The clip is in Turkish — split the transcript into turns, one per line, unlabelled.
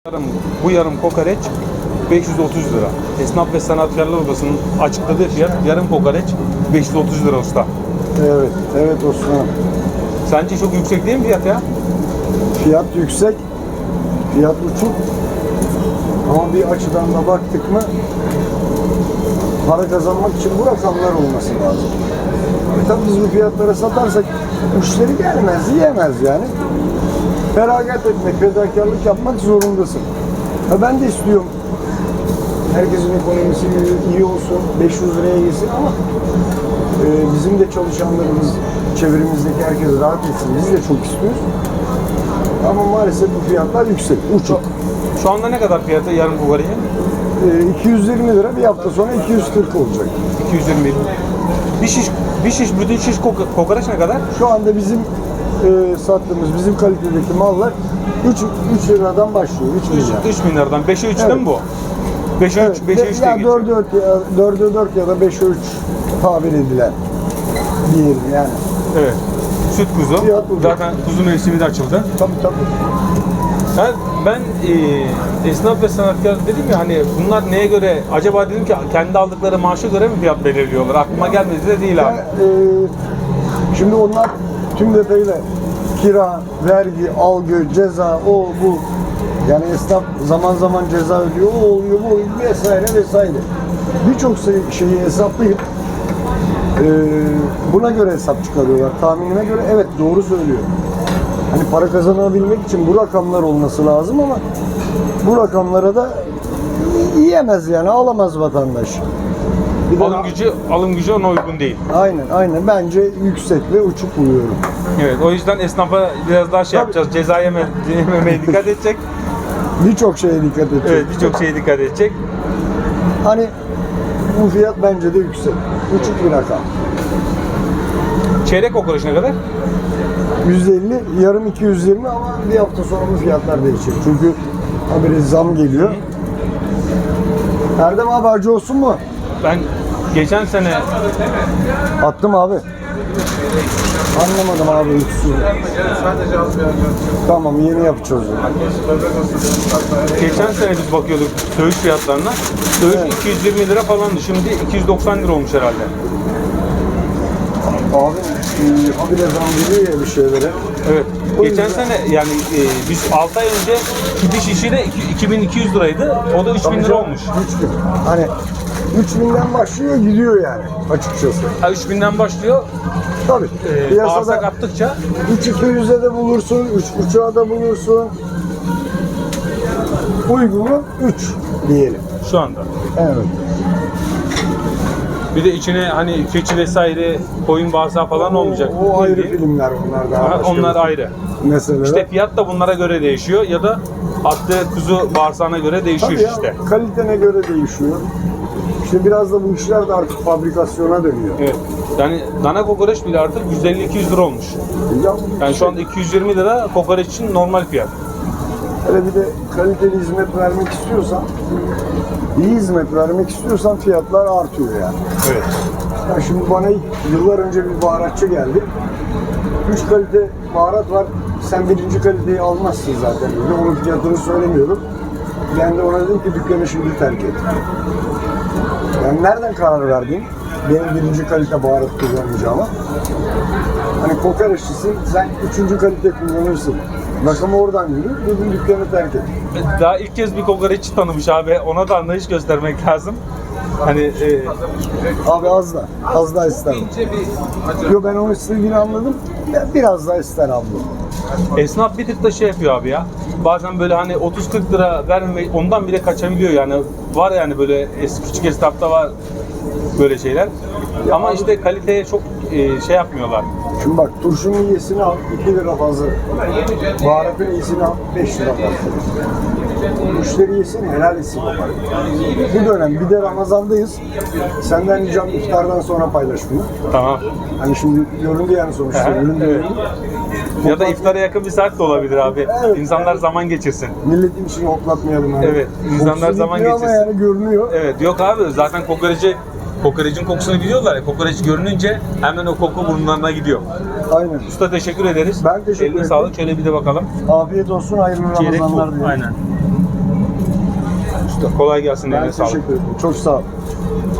Bu yarım kokoreç 530 lira. Esnaf ve Sanatkarlar Odası'nın açıkladığı fiyat yarım kokoreç 530 lira usta.
Evet, evet Osman.
Sence çok yüksek değil mi fiyat ya?
Fiyat yüksek, fiyat uçuk. Ama bir açıdan da baktık mı para kazanmak için bu rakamlar olması lazım. Tabii biz bu fiyatlara satarsak müşteri gelmez, yiyemez yani. Feragat etmek, fedakarlık yapmak zorundasın. Ben de istiyorum herkesin ekonomisi iyi olsun, 500 liraya yesin ama bizim de çalışanlarımız, çevremizdeki herkes rahat etsin. Biz de çok istiyoruz. Ama maalesef bu fiyatlar yüksek, uçuk.
Şu anda ne kadar fiyatı yarım kokorecin?
220 lira, bir hafta sonra 240 olacak.
220. Bütün şiş kokoreç ne kadar?
Şu anda bizim sattığımız, bizim kalitedeki mallar 3 liradan başlıyor, 3 lira.
3 bin liradan. 5'e 3
Evet.
değil mi bu? 5'e 3, 5'e 3 diye geçiyor.
4'e 4 ya da 5'e 3 tabir edilen diyelim yani.
Evet. Süt kuzu.
Fiyat bu.
Zaten kuzu mevsimi de açıldı.
Tabii tabii.
Ben esnaf ve sanatkar dedim ya, hani bunlar neye göre acaba, dedim ki kendi aldıkları maaşa göre mi fiyat belirliyorlar? Aklıma gelmedi de değil abi.
Şimdi onlar tüm detayıyla kira, vergi, algı, ceza, o bu. Yani esnaf zaman zaman ceza ödüyor, o oluyor, bu oluyor vesaire vesaire. Birçok şeyi hesaplayıp buna göre hesap çıkarıyorlar. Tahminime göre evet doğru söylüyor. Hani para kazanabilmek için bu rakamlar olması lazım ama bu rakamlara da yiyemez yani, alamaz vatandaş. Bir de
Alım gücü ona uygun değil.
Aynen. Bence yüksek ve uçuk buluyorum.
Evet, o yüzden esnafa biraz daha yapacağız. Ceza yememeye dikkat edecek.
Birçok şeye dikkat edecek.
Evet, birçok şeye dikkat edecek.
Hani bu fiyat bence de yüksek. Uçuk bir rakam.
Çeyrek kokoreç ne kadar?
150, yarım 220 ama bir hafta sonra bu fiyatlar değişecek. Çünkü haberi zam geliyor. Erdem abi acı olsun mu?
Ben geçen sene
Attım abi. Anlamadım abi üçsü. Tamam, yeni yapacağız.
geçen sene biz bakıyorduk söğüş fiyatlarına. Söğüş
Evet.
220 lira falandı. Şimdi 290 lira olmuş herhalde.
Abi habire zam geliyor ya bir şeylere.
Evet.
O
Geçen
yüzden-
sene yani biz 6 ay önce kidi şişi de 2200 liraydı. O da 3000 lira olmuş.
3000. Hani 3000'den başlıyor gidiyor yani açıkçası.
Ha, 3000'den başlıyor.
Tabii.
Bağırsak
Piyasada
attıkça
3.200'e de bulursun, 3.5'a da bulursun. Uygunu 3 diyelim.
şu anda.
Evet.
Bir de içine hani keçi vesaire, koyun bağırsağı falan olmayacak.
O ayrı
Bildiğin.
filmler, onlar daha
Ha,
başka
onlar
bir
ayrı.
meseleler.
İşte fiyat da bunlara göre değişiyor ya da attığı kuzu bağırsağına göre değişiyor
Tabii ya,
işte.
kalitene göre değişiyor. İşte biraz da bu işler de artık fabrikasyona dönüyor.
Evet. Yani dana kokoreç bile artık 150-200 lira olmuş.
Ya,
Yani şu anda 220 lira kokoreç için normal fiyat.
hele bir de kaliteli hizmet vermek istiyorsan, iyi hizmet vermek istiyorsan fiyatlar artıyor yani.
Evet.
Ya şimdi bana yıllar önce bir baharatçı geldi. 3 kalite baharat var. Sen birinci kaliteyi almazsın zaten dedi. Onun fiyatını söylemiyorum. Ben de ona dedim ki dükkanı şimdi terk et. Yani nereden karar verdin? Benim birinci kalite baharat kullanacağıma. Hani kokoreççisin, sen 3. kalite kullanırsın. Rakamı oradan yürü, dedim dükkanı terk et.
Daha ilk kez bir kokoreççi tanımış abi. Ona da anlayış göstermek lazım. Hani
Abi az da ister. Yo, ben onun istediğini anladım. Ya biraz daha ister abla.
esnaf bir tık da şey yapıyor abi ya. Bazen böyle hani 30-40 lira vermemek, ondan bile kaçabiliyor yani. Var yani böyle küçük esnafta var böyle şeyler. Ama işte kaliteye çok şey yapmıyorlar.
Şimdi bak, turşunun iyisini al 2 lira fazla. Baharatın iyisini al 5 lira fazla. Müşteri yesin, helal etsin. Bu dönem bir de Ramazan'dayız. Senden ricam iftardan sonra paylaş bunu.
Tamam.
Hani şimdi göründü yani sonuçta.
Aha,
Ürün
evet.
göründü.
Ya da iftara yakın bir saat de olabilir abi.
Evet.
İnsanlar zaman geçirsin.
Milletin işini hoplatmayalım. Yani.
Evet, insanlar
Kokusu
zaman
gitmiyor ama
geçirsin.
yani görünüyor.
Evet, yok abi zaten kokorecin kokusunu biliyorlar ya. Kokoreç görününce hemen o koku burunlarına gidiyor.
Aynen.
Usta teşekkür ederiz.
Ben teşekkür
Eline
ederim.
sağlık. Şöyle bir de bakalım.
Afiyet olsun, hayırlı
Çeyrek bu.
Ramazanlar dilerim.
Aynen. Kolay gelsin.
Ben
Eline sağlık.
teşekkür ederim. Çok sağ ol.